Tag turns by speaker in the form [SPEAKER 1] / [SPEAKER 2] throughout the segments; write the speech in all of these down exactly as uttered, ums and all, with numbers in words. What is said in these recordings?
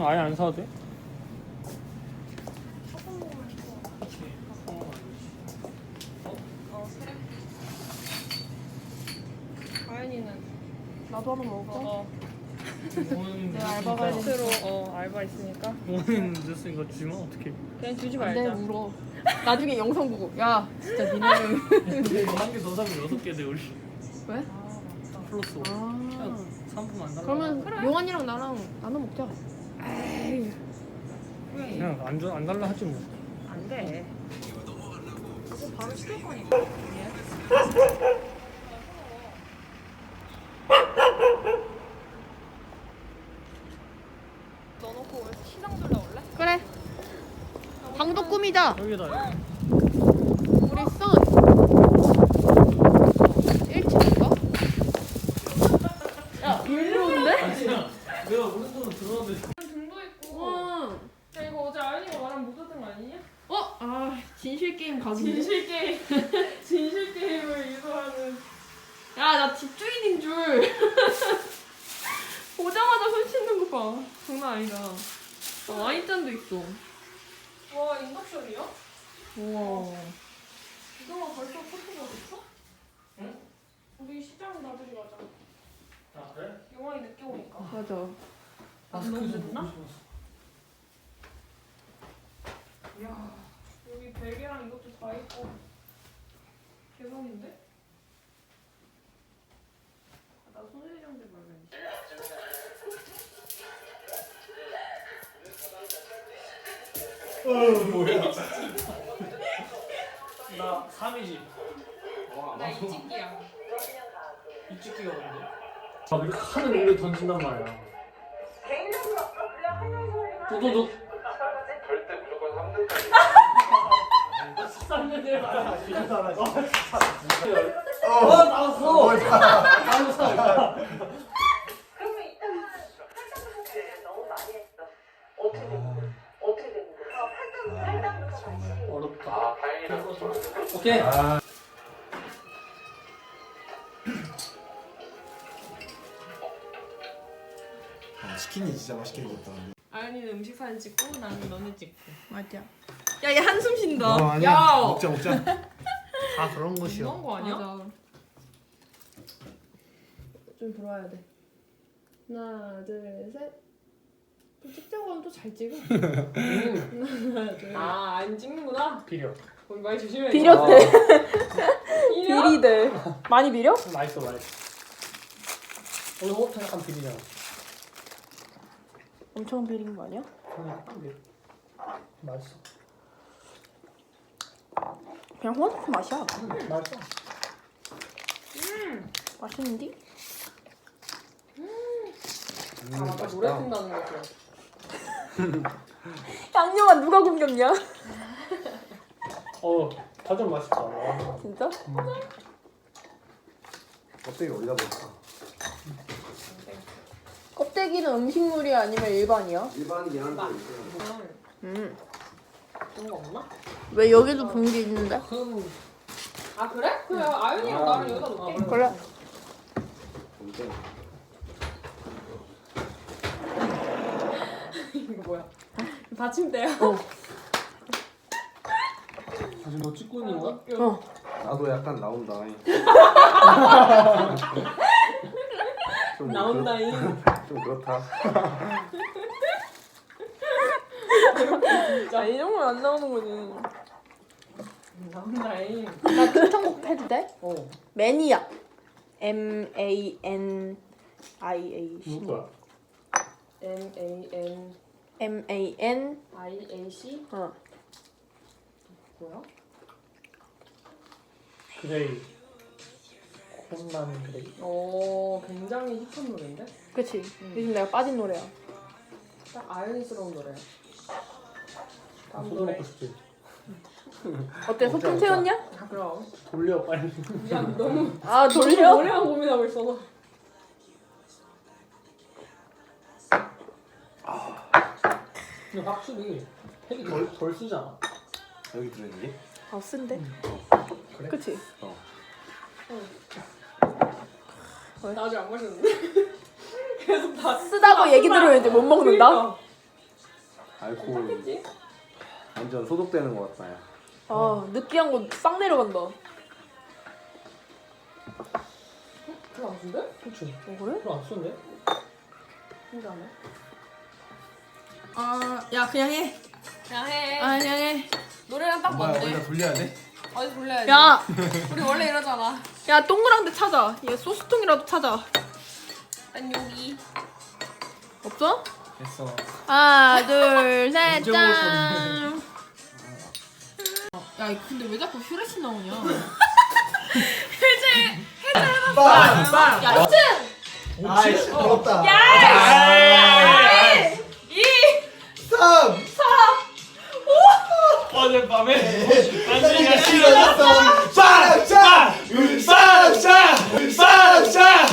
[SPEAKER 1] 응, 아예 안 사도 돼?
[SPEAKER 2] 아연이는
[SPEAKER 3] 나도 하나 먹을까?
[SPEAKER 2] 어,
[SPEAKER 1] 내가
[SPEAKER 3] 알바 가야
[SPEAKER 2] 스스로 어 알바 있으니까
[SPEAKER 1] 부모님 늦었으니까 주면 어떡해.
[SPEAKER 2] 그냥 주지
[SPEAKER 3] 안돼
[SPEAKER 2] 말자.
[SPEAKER 3] 울어. 나중에 영상 보고 야 진짜 니네는
[SPEAKER 1] 근데 한 개 더 사면 여섯 개 돼 우리.
[SPEAKER 3] 왜?
[SPEAKER 2] 아 맞다.
[SPEAKER 1] 플러스 오.
[SPEAKER 3] 아
[SPEAKER 1] 상품 안 달라.
[SPEAKER 3] 그러면
[SPEAKER 2] 그래.
[SPEAKER 3] 용환이랑 나랑 나눠 먹자. 에이
[SPEAKER 2] 왜?
[SPEAKER 1] 그냥 안, 줘, 안 달라 하지 뭐.
[SPEAKER 2] 안 돼. 이거 바로 시킬 거니까. 넣어놓고 우리 시장 둘러 올래?
[SPEAKER 3] 그래. 방도 꾸미자.
[SPEAKER 1] 여기다.
[SPEAKER 3] 우리 선 일 층인가? 야 일로인데?
[SPEAKER 1] 아니야. 내가 오른손으로 들어왔는데.
[SPEAKER 2] 등도 있고.
[SPEAKER 3] 와.
[SPEAKER 2] 야 이거 어제 아연이가 말한 못 샀던 거 아니냐?
[SPEAKER 3] 어? 아 진실 게임 가기.
[SPEAKER 2] 진실 게임. 진실 게임을 유도하는.
[SPEAKER 3] 야나 집주인인 줄. 보자마자 손 씻는 거 봐. 장난 아니다. 어, 와인잔도 있어.
[SPEAKER 2] 와 인덕션이야?
[SPEAKER 3] 우와.
[SPEAKER 2] 이거만 벌써 포토가 됐어?
[SPEAKER 1] 응?
[SPEAKER 2] 우리 시장 나들이 가자.
[SPEAKER 1] 아 그래?
[SPEAKER 2] 영화이 늦게 오니까.
[SPEAKER 3] 맞아.
[SPEAKER 2] 안 너무 늦나?
[SPEAKER 1] 보고
[SPEAKER 2] 이야 여기 베개랑 이것도 다 있고 대박인데? 아, 나 손세정제 말면
[SPEAKER 1] 어 뭐야? 나 삼이지.
[SPEAKER 2] 나 이집기야.
[SPEAKER 1] 이 찍기가 뭔데? 아 이렇게 하늘 위로 던진단 말이야. 도도도.
[SPEAKER 4] 절대 무조건 삼 등까지.
[SPEAKER 1] 삼 년 말이야.
[SPEAKER 4] 어,
[SPEAKER 1] 어 나왔어. 나왔어.
[SPEAKER 5] 그러면 이따가 팔당부터 너무 많이 했어. 어떻게 된 거야? 어떻게 된 거야? 어, 팔당, 팔당부터 다시.
[SPEAKER 1] 어렵다.
[SPEAKER 4] 아, 다행이다.
[SPEAKER 1] 오케이.
[SPEAKER 6] 아, 치킨이 진짜 맛있게 익었다.
[SPEAKER 2] 아연이는 음식 사진 찍고 나는 너네 찍고.
[SPEAKER 3] 맞아. 야얘 한숨 쉰다.
[SPEAKER 6] 어, 아니야.
[SPEAKER 3] 야.
[SPEAKER 6] 먹자 먹자.
[SPEAKER 1] 다 그런 것이야.
[SPEAKER 2] 너무한 거 아니야?
[SPEAKER 3] 맞아. 좀 돌아야 돼. 하나, 둘, 셋. 또 찍자고 하면 또 잘 찍어. 하나, 둘.
[SPEAKER 2] 아, 안 찍는구나.
[SPEAKER 1] 비려.
[SPEAKER 2] 거기 말 조심해.
[SPEAKER 3] 비렸대.
[SPEAKER 2] 비려?
[SPEAKER 3] 비리대. 많이 비려?
[SPEAKER 1] 맛있어 맛있어. 오늘 호흡 약간 비리잖아.
[SPEAKER 3] 엄청 비린 거 아니야?
[SPEAKER 1] 그냥 약간 비려. 맛있어.
[SPEAKER 3] 그냥 호환 맛이야.
[SPEAKER 1] 음, 맛있어.
[SPEAKER 2] 음.
[SPEAKER 3] 맛있는디?
[SPEAKER 2] 아, 맞다. 노래 튼다는 거죠.
[SPEAKER 3] 양념아 누가 굶겼냐?
[SPEAKER 1] 어, 다전 맛있다. 와.
[SPEAKER 3] 진짜?
[SPEAKER 1] 음.
[SPEAKER 6] 껍데기 어디다 넣을까?
[SPEAKER 3] 껍데기는 음식물이야 아니면 일반이야?
[SPEAKER 6] 일반이긴 한데.
[SPEAKER 3] 음.
[SPEAKER 2] 그런 거 없나?
[SPEAKER 3] 왜 여기도 봉지 있는데?
[SPEAKER 1] 그럼
[SPEAKER 2] 아, 그래? 그래. 아연이랑 나랑 여기다 놓을게.
[SPEAKER 3] 그래.
[SPEAKER 2] 이거 뭐야? 받침대야?
[SPEAKER 3] 어.
[SPEAKER 1] 사실 너 찍고 있는 거야?
[SPEAKER 3] 어.
[SPEAKER 6] 나도 약간 나온다. 좀
[SPEAKER 2] 나온다잉.
[SPEAKER 6] 그렇- 좀 그렇다.
[SPEAKER 3] 아, 이 정도는 안 나오는 거지.
[SPEAKER 2] 나온다잉.
[SPEAKER 3] 나 추천곡 해도 돼?
[SPEAKER 1] 어.
[SPEAKER 3] 매니아. M A N I A C.
[SPEAKER 1] 누구 거야?
[SPEAKER 2] M A N
[SPEAKER 3] M A N.
[SPEAKER 2] I A C?
[SPEAKER 3] 어.
[SPEAKER 2] 뭐야?
[SPEAKER 1] 그레이. 콘만 그레이.
[SPEAKER 2] 어, 굉장히 힙한 노래인데?
[SPEAKER 3] 그치. 요즘 내가 빠진 노래야.
[SPEAKER 2] 딱 아연이스러운 노래야. 다음
[SPEAKER 1] 소주
[SPEAKER 2] 노래.
[SPEAKER 1] 먹고 싶지.
[SPEAKER 3] 어때? 소품 채웠냐?
[SPEAKER 2] 아, 그럼.
[SPEAKER 1] 돌려 빨리.
[SPEAKER 2] 미안, 너무
[SPEAKER 3] 아 돌려?
[SPEAKER 2] 노래만 고민하고 있어서.
[SPEAKER 1] 근데 확실히 팩이 덜, 덜 쓰잖아.
[SPEAKER 6] 여기 들어있니?
[SPEAKER 3] 아 쓴데?
[SPEAKER 1] 그래?
[SPEAKER 3] 그치?
[SPEAKER 2] 나 아직 안 마셨는데? 계속 다
[SPEAKER 3] 쓰다고 얘기 들으면 이제 못 먹는다?
[SPEAKER 2] 그러니까.
[SPEAKER 6] 알코올
[SPEAKER 3] 괜찮겠지?
[SPEAKER 6] 완전 소독되는 것 같다 야.
[SPEAKER 3] 아 느끼한 거 싹 내려간다. 별로 안 쓴데?
[SPEAKER 1] 그렇지.
[SPEAKER 3] 어 그래?
[SPEAKER 1] 별로 안 쓰는데?
[SPEAKER 3] 신기하네.
[SPEAKER 2] 아야 그냥 해.
[SPEAKER 3] 그냥 해.
[SPEAKER 2] 아 그냥 해.
[SPEAKER 3] 노래랑 딱 맞네.
[SPEAKER 6] 돌려야 돼?
[SPEAKER 3] 어디 돌려야지.
[SPEAKER 2] 야
[SPEAKER 3] 우리 원래 이러잖아.
[SPEAKER 2] 야 동그랑데 찾아. 얘 소스통이라도 찾아.
[SPEAKER 3] 난 여기.
[SPEAKER 2] 없어?
[SPEAKER 1] 됐어.
[SPEAKER 2] 하나 둘 셋
[SPEAKER 1] 언제
[SPEAKER 2] 짠. 야 근데 왜 자꾸 휴레시 나오냐?
[SPEAKER 6] 빵!
[SPEAKER 1] 빵!
[SPEAKER 2] 야 이층.
[SPEAKER 6] 아이씨 부럽다.
[SPEAKER 1] 아이!
[SPEAKER 6] 삼!
[SPEAKER 1] 어젯밤에 안진이가
[SPEAKER 6] 싫어졌어. 빵! 빵!
[SPEAKER 1] 빵! 빵! 빵!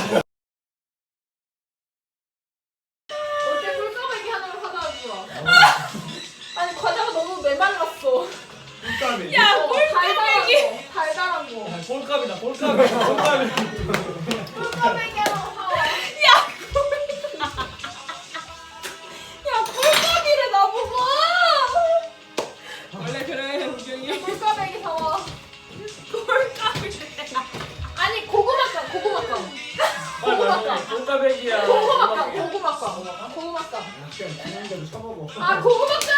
[SPEAKER 3] 어째 꿀까베기 하나를 사다 주라. 아니 과자가 너무 메말랐어.
[SPEAKER 1] 꼴값이.
[SPEAKER 3] 야 꿀까베기. 달달한 거. 달달한 거.
[SPEAKER 1] 꼴값이다. 꼴값이. 꼴값이.
[SPEAKER 3] 꿀까베기 하나 사와. 야 꿀까베기를 나보고.
[SPEAKER 2] 원래 그래 우경이.
[SPEAKER 3] 꿀까베기 사와. 꿀까베기. 아니 고구마깡 고구마깡. 고구마깡.
[SPEAKER 1] 꼴값이야.
[SPEAKER 3] 고구마깡 고구마깡 고구마깡.
[SPEAKER 1] 그냥 그냥대로 쳐먹어.
[SPEAKER 3] 아 고구마깡.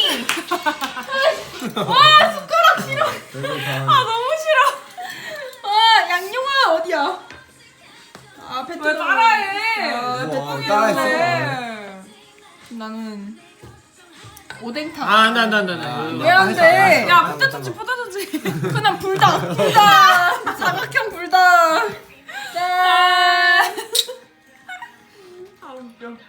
[SPEAKER 2] 아 너무 싫어. 아 양용아 어디야? 아 배트. 왜 따라해? 아
[SPEAKER 6] 뭐,
[SPEAKER 2] 배트
[SPEAKER 6] 따라했어.
[SPEAKER 2] 나는 오뎅탕.
[SPEAKER 1] 아, 나, 나, 나, 나.
[SPEAKER 2] 왜 안 돼? 야
[SPEAKER 6] 아,
[SPEAKER 2] 포테토치 포테토치. 그냥 불닭 불닭. 사각형 불닭. 짠. 아 웃겨.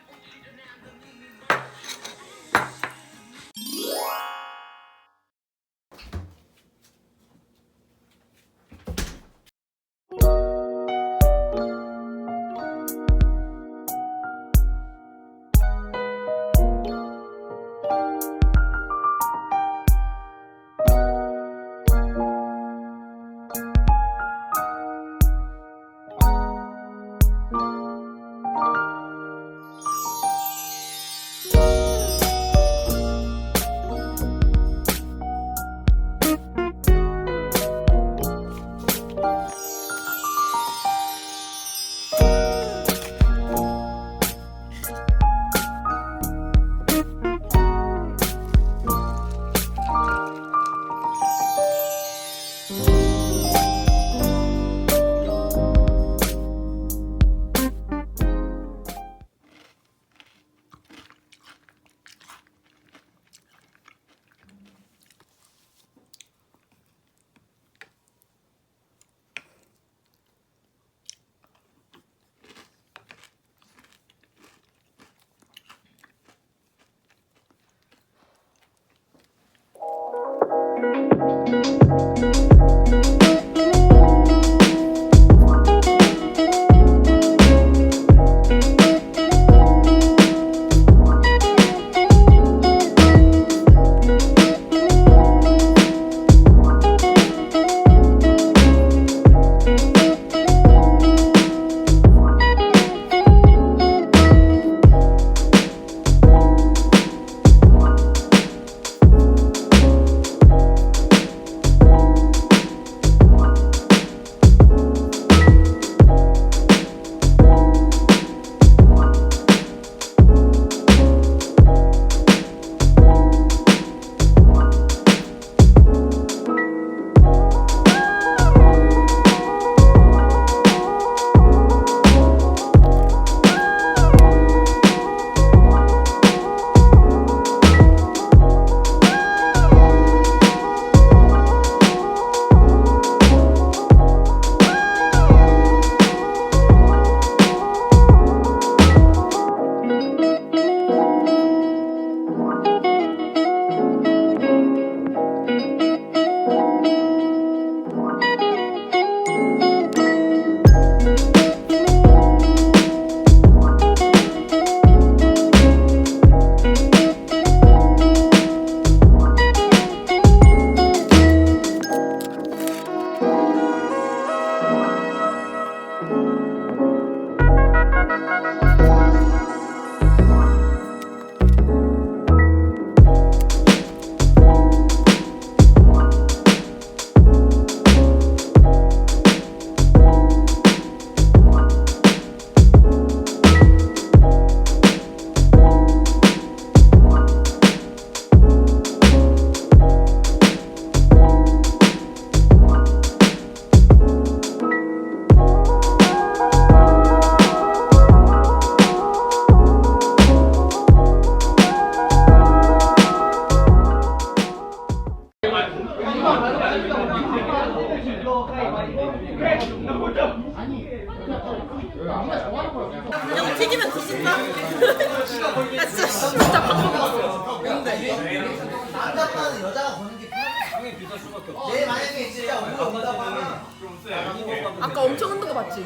[SPEAKER 6] 내 만약에 진짜 오늘 온다고 하면
[SPEAKER 2] 아까 엄청 흔든 거 봤지?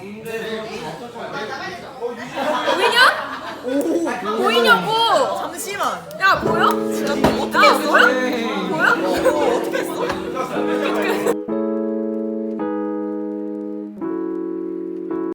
[SPEAKER 2] 보이냐? 보이냐고! 잠시만. 야 보여? 야 보여? 보여? 보여? 어떻게 했어?